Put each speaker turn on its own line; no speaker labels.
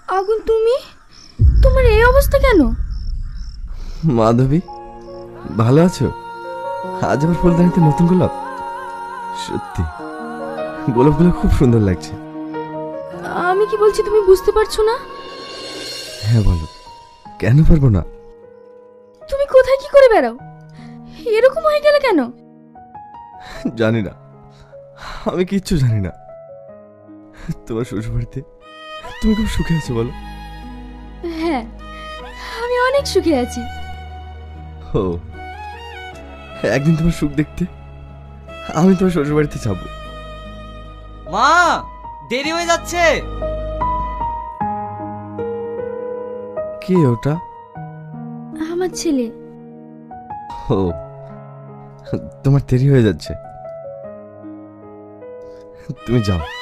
আগুন, তুমি? তোমার এই অবস্থা কেন?
মাধবী, ভালো আছো? আজ আমার ফুলদানিতে নতুন গোলাপ। সত্যি গোলাপগুলো খুব সুন্দর লাগছে।
আমি কি বলছি তুমি বুঝতে পারছো না?
হ্যাঁ বলো, কেন পারবো না?
তুমি কোথায় কি করে বেড়াও? এরকম হয়ে গেলে কেন?
জানি না, আমি কিচ্ছু জানি না। তোমার শ্বশুরবাড়িতে তুমি খুব সুখে আছো বলো?
হ্যাঁ, আমি অনেক সুখে আছি।
ও, একদিন তোমার সুখ দেখতে আমি তোমার শ্বশুরবাড়িতে যাবো।
মা, দেরি হয়ে যাচ্ছে।
কে ওটা?
আমার ছেলে।
ও, তোমার দেরি হয়ে যাচ্ছে, তুমি যাও।